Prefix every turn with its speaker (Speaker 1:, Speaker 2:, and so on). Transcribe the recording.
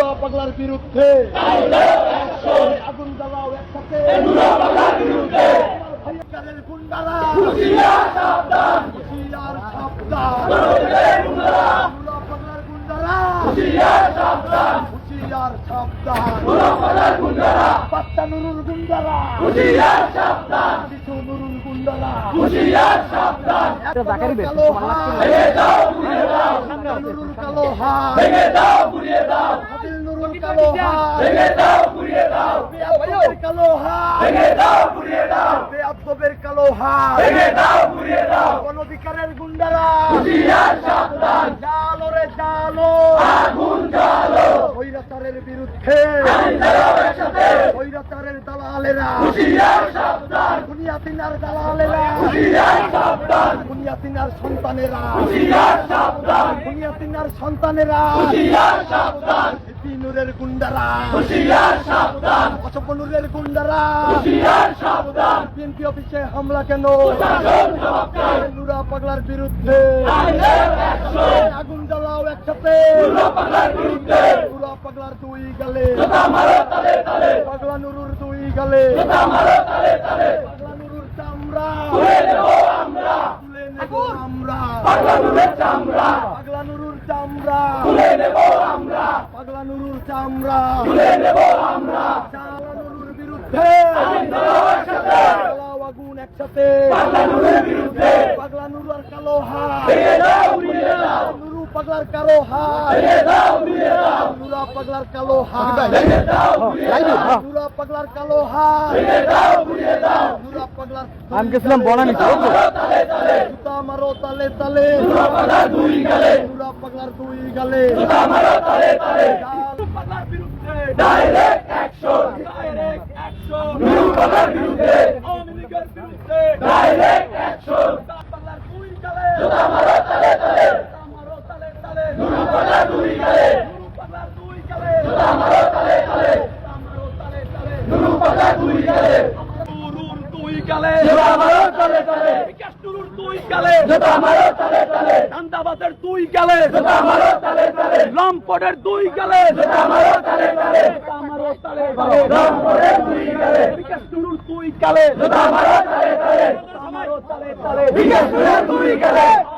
Speaker 1: নুরা পাগলার বিরুদ্ধে আগুন জ্বালাও একসাথে ভাইয়াকারের গুন্ডারা হুঁশিয়ার সাবধান নুরা পাগলার গুন্ডারা হুঁশিয়ার সাবধান নুরা পাগলার গুন্ডারা বাচ্চা নুরুল গুন্ডারা হুঁশিয়ার সাবধান শিশু নুরুল গুন্ডারা হুঁশিয়ার সাবধান কালো হাত ভেঙে দাও গুড়িয়ে দাও নুরুল কালো হাত ভেঙে দাও গুড়িয়ে দাও হাদিল নুরুল কালো হাত ভেঙে দাও গুড়িয়ে দাও বেয়াদবের কালো হাত ভেঙে দাও গুড়িয়ে দাও বেয়াদবের কালো হাত ভেঙে দাও গুড়িয়ে দাও গণধিকারের গুন্ডারা হুঁশিয়ার সাবধান জালো রে জালো আগুন জালো স্বৈরাচারের বিরুদ্ধে আইন চালাও একসাথে স্বৈরাচারের দালালেরা হুঁশিয়ার সাবধান বুনিয়াদিনার দালালেরা হুঁশিয়ার সাবধান বুনিয়াদিনার সন্তানেরা হুঁশিয়ার সাবধান বুনিয়াদিনার সন্তানেরা হুঁশিয়ার সাবধান নূরের গুন্ডারা হুঁশিয়ার সাবধান অশোকনুরের গুন্ডারা হুঁশিয়ার সাবধান বিএনপি অফিসে হামলা কেন নুরা পাগলার বিরুদ্ধে আগুন জ্বালাও একসাথে নুরা পাগলার বিরুদ্ধে নুরা পাগলার দুই গালে পাগলা নুরুর দুই গালে পাগলা নুরুর চামড়া তুলে নেব আমরা পাগলা নুরুর চামড়া পাগলা নুরুর চামড়া তুলে নেব আমরা পাগলা নুরুর চামড়া তুলে নেব আমরা পাগলা নুরুর বিরুদ্ধে আগুন একসাথে পাগলা নুরুর বিরুদ্ধে পাগলা নুরুর কালো হাত ভেঙে দাও গুড়িয়ে দাও নুরু পাগলার কালো হাত ভেঙে দাও গুড়িয়ে দাও নুরা পাগলার কালো হাত ভেঙে দাও গুড়িয়ে দাও নুরা পাগলার কালো হাত ভেঙে দাও গুড়িয়ে দাও নুরা পাগলার
Speaker 2: আমি গেছিলাম বনানী
Speaker 1: জুতা মারো তালে তালে নুরা পাগলার দুই গালে নুরা পাগলার দুই গালে জুতা মারো তালে তালে পাগলার বিরুদ্ধে ডাইরেক্ট অ্যাকশন নুরু পাগলার বিরুদ্ধে আওয়ামী লীগের বিরুদ্ধে ডাইরেক্ট অ্যাকশন পাগলার দুই গালে জুতা মারো তালে তালে নুরু পাগলার দুই গালে নুরু পাগলার দুই গালে জুতা মারো তালে তালে নুরু পাগলার দুই গালে নুরুর দুই গালে জুতা মারো তালে তালে বিকাশ নুরুর দুই গালে জুতা মারো তালে তালে চান্দাবাদের দুই গালে জুতা মারো তালে তালে লম্পটের দুই গালে জুতা মারো তালে তালে জুতা মারো তালে তালে লম্পটের দুই গালে বিকাশ নুরুর দুই গালে জুতা মারো তালে তালে জুতা মারো তালে তালে বিকাশ নুরুর দুই গালে